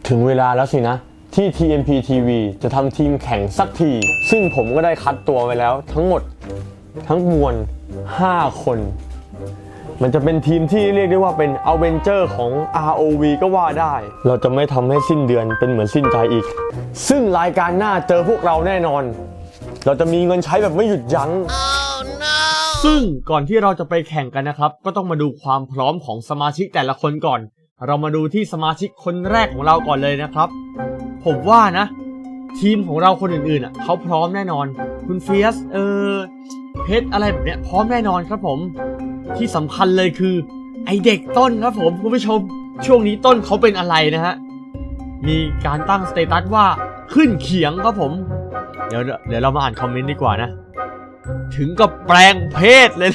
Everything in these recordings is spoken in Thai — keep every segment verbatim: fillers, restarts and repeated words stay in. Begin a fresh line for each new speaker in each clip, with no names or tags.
ถึงเวลาแล้วสินะที่ ที เอ็ม พี ที วี จะทำทีมแข่งสักทีซึ่งผมก็ได้คัดตัวไว้แล้วทั้งหมดทั้งมวลห้าคนมันจะเป็นทีมที่เรียกได้ว่าเป็นอเวนเจอร์ของ อาร์ โอ วี ก็ว่าได้เราจะไม่ทำให้สิ้นเดือนเป็นเหมือนสิ้นใจอีกซึ่งรายการหน้าเจอพวกเราแน่นอนเราจะมีเงินใช้แบบไม่หยุดยั้ง oh, no. ซึ่งก่อนที่เราจะไปแข่งกันนะครับก็ต้องมาดูความพร้อมของสมาชิกแต่ละคนก่อนเรามาดูที่สมาชิกคนแรกของเราก่อนเลยนะครับผมว่านะทีมของเราคนอื่นๆอ่ะเขาพร้อมแน่นอนคุณเฟียสเออเพชรอะไรแบบเนี้ยพร้อมแน่นอนครับผมที่สำคัญเลยคือไอเด็กต้นครับผมคุณผู้ชมช่วงนี้ต้นเขาเป็นอะไรนะฮะมีการตั้งสเตตัสว่าขึ้นเขียงครับผมเดี๋ยวเดี๋ยวเรามาอ่านคอมเมนต์ดีกว่านะถึงกับแปลงเพศเลย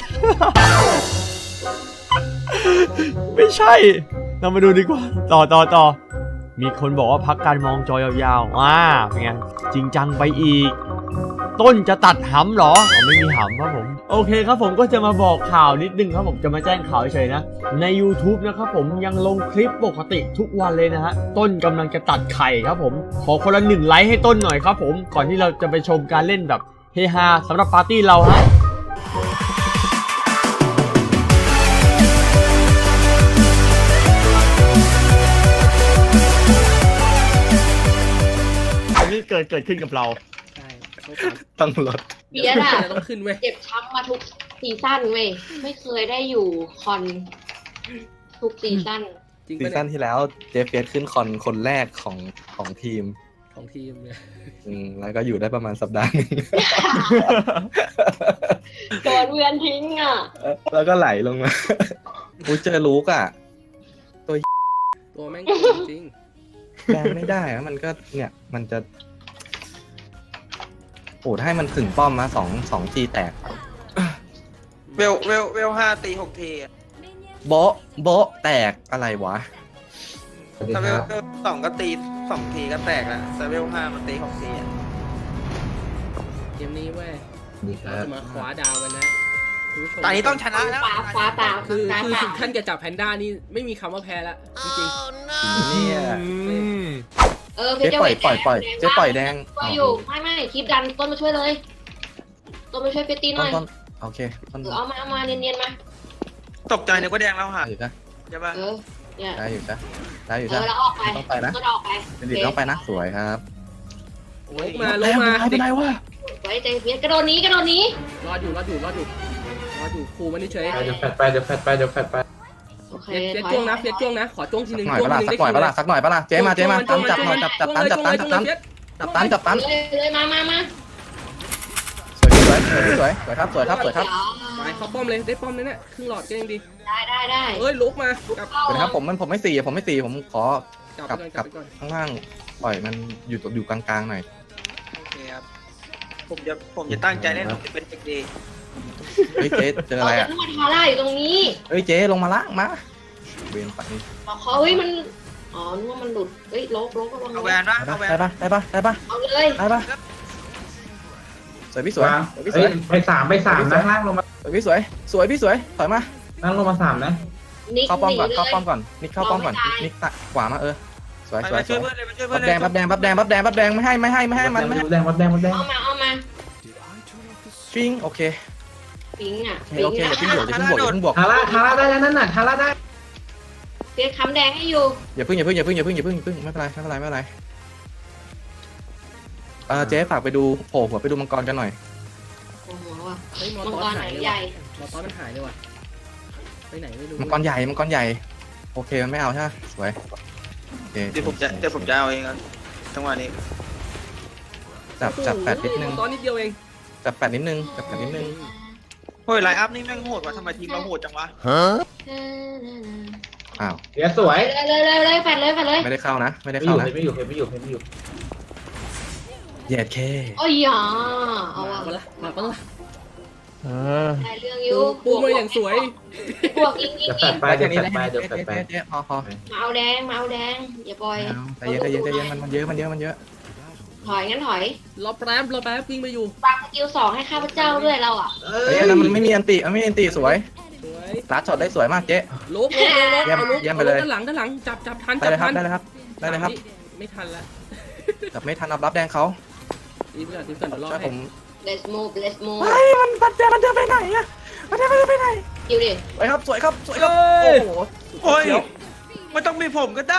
ไม่ใช่เรามาดูดีกว่าต่อต่อต่อมีคนบอกว่าพักการมองจอยาวๆว้าเป็นไงจริงจังไปอีกต้นจะตัดหำเหรออ๋อไม่มีหำครับผมโอเคครับผมก็จะมาบอกข่าวนิดนึงครับผมจะมาแจ้งข่าวเฉยๆนะใน YouTube นะครับผมยังลงคลิปปกติทุกวันเลยนะฮะต้นกำลังจะตัดไข่ครับผมขอคนละหนึ่งไลค์ให้ต้นหน่อยครับผมก่อนที่เราจะไปชมการเล่นแบบเฮฮาสำหรับปาร์ตี้เราฮะเกิดเกิดขึ้นกับเรา
ใช่
ต้องลด
เบียร์อะ
ต้องขึ้นเว้ย
เจ็บช้ำมาทุกซีซั่นเว้ยไม่เคยได้อยู่คอนทุกซีซั่น
ซีซั่นที่แล้วเจฟเฟียสขึ้นคอนคนแรกของของทีม
ของทีมเนี่ย
อืมแล้วก็อยู่ได้ประมาณสัปดาห์นึง
โดนเวียนทิ้งอ่ะ
แล้วก็ไหลลงมาอุ้ยเจอลูกอ่ะ
ตัวตัวแม่งจริง
แรงไม่ได้อะมันก็เนี่ยมันจะโอ้ถ้าให้มันถึงป้อมมาสองสองทีแตก
เวลเวลเวลห้าตีหกที
โบโบแตกอะไรวะ
ถ้าเวลสองก็ตีสองทีก็แตกแล้วแต่เวลห้ามันตีหกทีอ่ะ
เกมนี้เว้ยเราจะมาคว้าดาวกันนะ
ตอนนี้ต้องชนะแล้ว
คว้าตา
คือคือถึงขั้นจะจับแพนด้านี่ไม่มีคำว่าแพ้แล้วจริง
ๆเนี่ย
เออ
เจ๊ปล่อยปล่อยปล่อยเจ๊ปล่อยแดง
ช่วยอยู่ไม่ไม่คลิปดันต้นมาช่วยเลยต้นมาช่วยเฟตตี้หน่อย
โอเค
เออเอามาเอามาเนียนๆมา
ตกใจนึกว่าแดงแล้วค่ะ
อยู่จ้ะ
ใช่ป่ะ
เออเนี่ย
ได้อยู่จ้ะได้อยู่จ้ะ
เออแล้วออกไป
ต้องไปนะ
ต้องออกไป
เป็นดิต้องไปนะสวยครับ
ลงมาลงมา
ไม่ได้ว่ะ
ไว้ใจเฟียสกระโดดนี้กระโดดนี้
รอดอยู่รอดอยู่รอดอยู่รอดอยู่ครูมันนี่เฉย
เดี๋ยวแฟดไปเดี๋ยวแฟดไปเดี๋ยวแฟดไป
เฟียสจ้วงนะเฟียสจ้วงนะขอจ้วงทีนึง
จ้วงทีนึงสักหน่อยปะล่ะสักหน่อยปะล่ะเจ๊มาเจ๊มาตันจับหน่อยจับจับตันจับตันจับตันจับตันจับตัน
เลยมามามา
สวยสวยสวยสวยครับสวยครับสวยครับ
ไปเข้าป้อมเลยได้ป้อมเลยเนี่ยครึ่งหลอดก็ยังดี
ได้ได้ได้
เอ้ยลุกมา
กับเดี๋ยวครับผมมันผมไม่สี่ผมไม่สี่ผมขอกลับกลับข้างล่างปล่อยมันอยู่อยู่กลางๆหน่อย
โอเคครับผมจะผมจะตั้งใจเล่นผมจะเป็นเด็กดี
เฮ้ยเจ๊เจออะไรอ่ะ
มาทาร่าอยู่ตรงนี้
เฮ้ยเจ๊ลงมาล่างมาเวียนไป
เขาเฮ้ยมันอ๋อนึกว่ามันหลุดเฮ้ยลบลบ
เอาแวนปะเอาแวน
ได้ปะได้ปะได้ปะ
เอาเลย
ได้ปะสวยพี่สวย
พี่สวยไปสามไปสามนะล่างลงมา
สวยพี่สวยสวยพี่สวยถอยมา
ล่างลงมาสามนะ
เข้าป้อมก่อนเข้าป้อมก่อนนิกเข้าป้อมก่อนนิกตัดขวามาเออสวยสวยสวยบับแดงบับแดงบับแดงบับแดงบับแดงไม่ให้ไม่ให้ไม่ให้มันไม่ให้
แดงบับแดงบับแดง
เอามาเอามา
ฟิงโอเค
ฟิงอ่ะ
โอเคอย่าเพิ่งบวกอย่าเพิ่งบวกอย่าเพิ่งบวก
ทาร่าทาร่าได้แล้วนั่นน่ะทาร่าได้
เฟียสค้ำแดงให้อยู่
อย่าเพิ่งอย่าเพิ่งอย่าเพิ่งอย่าเพิ่งอย่าเพิ่งอย่าเพิ่งไม่เป็นไรไม่เป็นไรไม่เป็นไรเออเจ๊ฝากไปดูโผล่หัวไปดูมังกรกันหน่อย
โอ้โหว่ะ
เฮ้ยมังกรหายใหญ่มังกรมันหายเลยว่ะไปไหนไม่รู้
มังกรใหญ่มังกรใหญ่โอเคมันไม่เอาใช่ไหมสวย
เดี๋ยวผมจะเดี๋ยวผมจะเอาเองครับจังหวะนี้
จับจับแปดนิดนึง
ตอนนิดเดียวเอง
จับแปดนิดนึงจับแปดนิดนึง
เฮ้ยไลน์อัพนี่แม่งโหดว่ะทำไมทีมเราโหดจังวะ
ฮะอ้าว
เดี๋ยวสวย
เลยเลยเลยแฟนเลยแฟนเลย
ไม่ได้เข้านะไม่ได้เข้านะ
ไม่อยู่ไม่อยู่ไม่อยู่
เหยียดแค่
โอ้ยอ่ะเอา
มาปะล่ะมาปะล่ะ
เออได้เรื่องอยู่
ปูมาอย่างสวย
บวกยิงยิงยิง
ไปเดี๋ยวแฟดไปเดี๋ยวแฟดไป
พอพอ
มาเอาแดงมาเอาแดงอย่าปล่อย
ใจเย็นใจเย็นใจเย็นมันมันเยอะมันเยอะมันเยอะ
ถอยงั้นถอย
รอแป๊บรอแป๊บวิ่งไปอยู่
ปากสกิลสองให้ข้าพเจ้าด้วยเราอ่ะ
เฮ้ยนั้นมันไม่มีอันติมันไม่มีอันติสวยลัดช็อตได้สวยมากเจ๊
ลุกลุกลุกเอาลุกด้านหลังด้านหลังจับจับทัน
ได้เลยครับได้เลยครับได้เลยครับ
ไม่ทันละ
แต่ไม่ทันรับรับแดงเขา
รีบก่อนรีบก่อนเดี๋ยวรอ
ช่วย
ให้
ผม
let's move let's move
เฮ้ยมันบัดแดงมันเดินไปไหนอะมันเดินไปไหน
คิวดิ
สวยครับสวยครับสวยครับ
เอ้
โอ้
ย
โห
โอ้ย
เดี๋ยว
ไม่ต้องมีผมก็ได้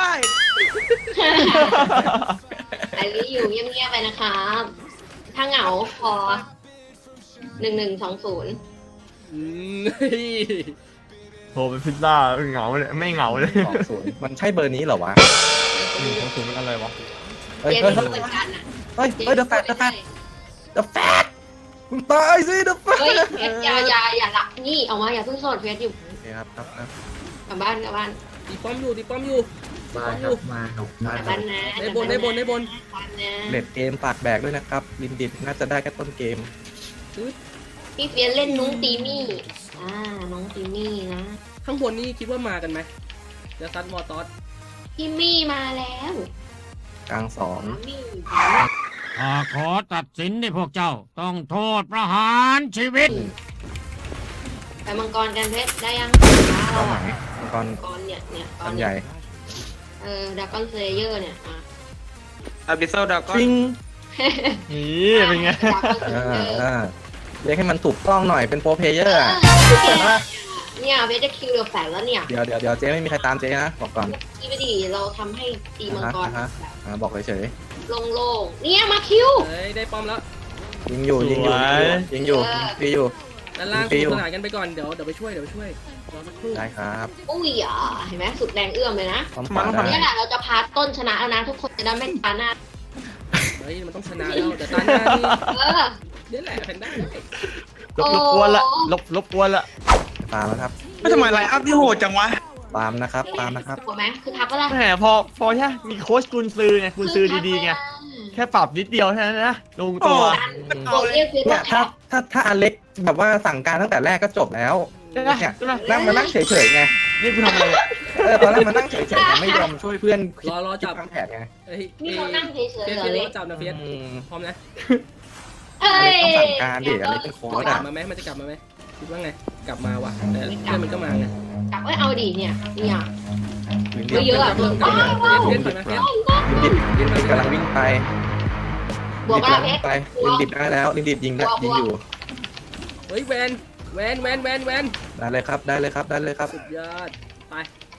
ไอรีอยู่เงียบๆไปนะครับ ถ้าเหงาพอหนึ่งหนึ่งสองศูนย์
อืมเฮ้ย
โหเป็นพิซซ่าเหงาเลยไม่เหงาเลย
สองศูนย์มันใช่เบอร์นี้เหรอวะ
หนึ่งสองศูนย์มันอะไรวะ
เฮ้ย
เจน
เฮ้ย
นี่เหมือนกันอ่ะ
เฮ้ยเฮ้ยเดอะแฟตเดอะแฟตเดอะแฟตมึงตายสิเดอะแฟต
เฮ้ยเพชรอย่าอย่าอย่าหลับนี่ออกมาอย่าเพิ่งโสดเพชรอยู่
โอเคครับครับครับ
กลับบ้านกลับบ้าน
ตีป้อมอยู่ตีป้อมอยู่
มาครับมาครับมาก
ลับ
ครั
บ้า
บ
นนะ
ในบนในบนในบน
กลับบ้านนะ
เลดเกมฝากแบกด้วยนะครับลินดิดน่าจะได้แค่ต้นเกม
พี่เฟียนเล่นนุ้งตีมี่อ่าน้องตีมี่นะ
ข้างบนนี่คิดว่ามากันไหมจะซัดมอร์ตอส
พี่มี่มาแล้ว
กลางสอง
สามี่
ข้าขอตัดสินให้พวกเจ้าต้องโทษประหารชีวิต
ไปมังกรกันเพชรได้ยัง
เป้าหมายมังกร
มังกรเนี่ยเนี่ยตอ
อั
น
นใหญ่
เออดากอนเซเยอร์เนี่ยอ่ะ
อาบิโซดาก็
ปิง
นี่เป็นไง
อ่าอ่าเรียกให้มันถูกต้องหน่อยเป็นโปรเพลเยอร์อะ
เนี่ยเวทจะคิวเดือแฝงแล้วเนี่ย
เดี๋ยวเดี๋ยวเดี๋ยวเจ๊ไม่มีใครตามเจ๊นะบอกก่อน
ที่ไม่ดีเราทำให้ตีมังกร
อ่าฮะ อ่าบอกเฉย
โล่งๆเนี่ยมาคิว
เฮ้ยได้ป้อมแล้ว
ๆยิงอยู่ยิงอยู่
สวย
ยิงอยู่ยิงอยู่
ด้านล่าง
ฟิ
คู่
ว
สนานกันไปก่อนเดี๋ยวเดี๋ยวไปช่วยเดี๋ยวไปช่วยรอสักครู่
ได้ครับ
อุ้ยอ่ะเห็นไหมสุดแรงเอื้อมเลยนะ
พร้อมขวาได้
เนี่ยแหละเราจะพาต้นชนะแล้วนะทุกคนจะได้ไม่ตาหน้า
เฮ้ยมันต้องชนะแล้วแต่ตาหน้านี่
เออ
เดี๋ยวแหละแพนด้า
ลบลบกวนละลบลบกวนละ
ตามแล้วครับ
ไม่ทำไมไลน์อัพที่โหดจังวะ
ตามนะครับตามนะครับ
ถูกไหมคือทักก็ได้
แหมพอพอแค่มีโค้ชกุนซือไงกุนซือดีๆไงแค่ปรับนิดเดียวแค่นั้นนะลงตัว
โกเรียกคือ
เนี่ยถ้าถ้าถ้าอเล็กแบบว่าสั่งการตั้งแต่แรกก็จบแล้ว
ใช่ไหม
เนี่ย
ใช่ไหม
นั่งมานั่งเฉยๆไง
นี่กูทำอะไรเนี่ย
เออตอนแรกมานั่งเฉยๆไงไม่ยอมช่วยเพื่อนคิด
รอรอจับ
วางแผนไง
เฮ้ย
นี่เขานั่งเฉย
เฟีย
ๆ
ส
เล
เฟียส
ย
รอจับนะเฟียส
อืม
พร้อมนะ
เอ้
อเล็กต้อง
ย
สั่งการดิอเล็กเป็นโค้ช
กลั
อ่ะ
บมาไหมมันจะกลับมาไหมคิดว่าไงกลับมาว่ะแต่เพื่อนมันก็มาไง
กลับเอ้ยเอาดิเนี่ยเนี่ย
ลิน
เฮ้ยเยอะอะ
เพิ่มกลับมาเฟียสเฟียสถอยมาเฟียส
ดิดลินดิดกำลังวิ่งไป
บวก
ลิน
ว่า
ดิด
เพ
กำลัง
ชร
วิ่งไปลินดิดได้แล้วลินดิดยิงได้ยิงอยู่
เฮ้ยแวนแวนแวนแวนแวน
ได้เลยครับได้เลยครับได้เลยครับ
สุดยอดไป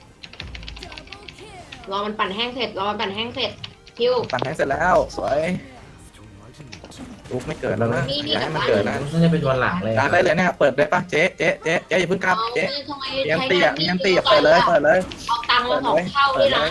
รอมันปั่นแห้งเสร็จรอมันปั่นแห้งเสร็จคิว
ปั่นแทงเสร็จแล้วสวยลุกไม่เกิดแล้วนะ
นี่นี่
อย่าให้มันเกิดนะ
น่าจะเป็นวันหลังเลย
ตามได้เลยเนี่ยเปิดได้ปะเจ๊เจ๊เจ๊เจ๊อย่าเพิ่งกลับ
เอา
เจ๊
ทำไม
เมียน
ใช้
ตีอ่ะ
งาน
เมียนตีอ่ะเปิดเลยเปิดเลย
เอาตังค์มาสองเท่านี่นะ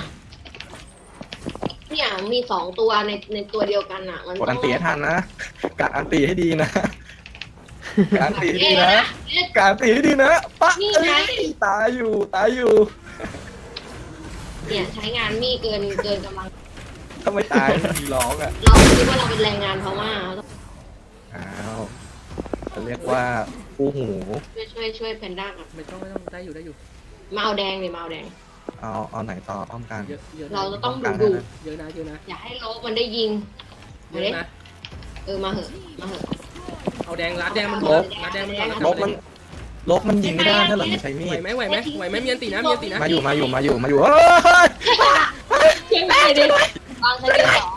เนี่ยมีสองตัวในในตัวเดียวกันอ่ะมัน
กดอันตีให้ทันนะกะอันตีให้ดีนะกะอันตีให้
เอ๊
ดีนะ
นะ
กะอันตีให้ดีนะปะ
นี่
เอ้
ไง
ยตายอยู่ตายอยู่
เนี่ยใช้งานมีเกินเกินกำลัง
ทำไมตายไม่มีร้องอ่ะ
เราคิดว่าเราเป็นแรงงานเพราะว่า
อ้าวจะเรียกว่าคู่หู
ช่วยช่วยช่วยแพนด้าก่อน
ไม่ต้องไม่ต้องได้อยู่ได้อยู่
มาเอาแดงเลยมาเอาแดง
เอาเอาไหนต่ออ้อมกลาง
เยอะเยอะ
เรา
นะ
จะต้องดูดู
เยอะนะเยอะนะ
อย่าให้โลกมันได้ยิง
เย
มา
อะ
ดิ
นะ
เออมาเหอะมาเหอะ
เอาแดงรัดแดงมันก่อนรัดแดงมันก่อนแล้ว
ลบมันลบมันยิงไม่ได้ถ้าเราไม่ใช้มี
ไหว
ด
ไหมไหวไหมไหวไหมมีอันตีนะมีอันตีนะ
มาอยู่มาอยู่มาอยู่มาอยู่เฮ้ย
เชียงใหม่ดิวางใช้เดียวสอง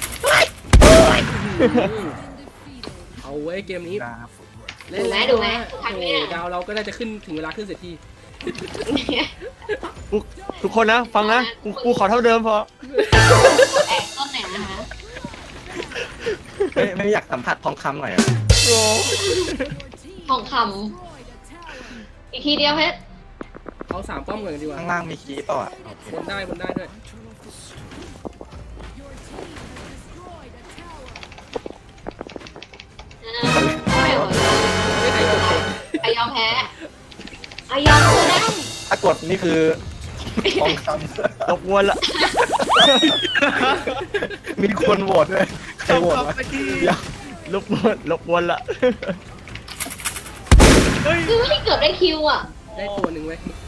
เอาไว้เกมนี้
ครับ
เล่นแล้วโอ้ดาวเราก็น่าจะขึ้นถึงเวลาขึ้นเสร็จที
ทุกคนนะฟังนะกูกูขอเท่าเดิมพอ
แอบต้นไหนนะคะ
ไม่ไม่อยากสัมผัสทองคำหน่อยอะ
โอ้
ทองคำอีกทีเดียวเพชร
เอาสามป้อมก่อนดีกว่า
ข้างล่างมีคีย์เปล่าอ่ะโอเค
บนได้บนได้ด้วย
ไม่ไหว
ไม่ใครกดกด
ไอยอมแพ้ไอยอมคือได้
ถ้ากดนี่คือทองค
ลบกวนละ
ำมีคนโหวตด้วยใครโหวตวะเดี๋ยว
ลบกวนลบกวนละ
คือไม่เกือบได้คิวอ่ะ
ได้ตัวหนึ่งเว้ย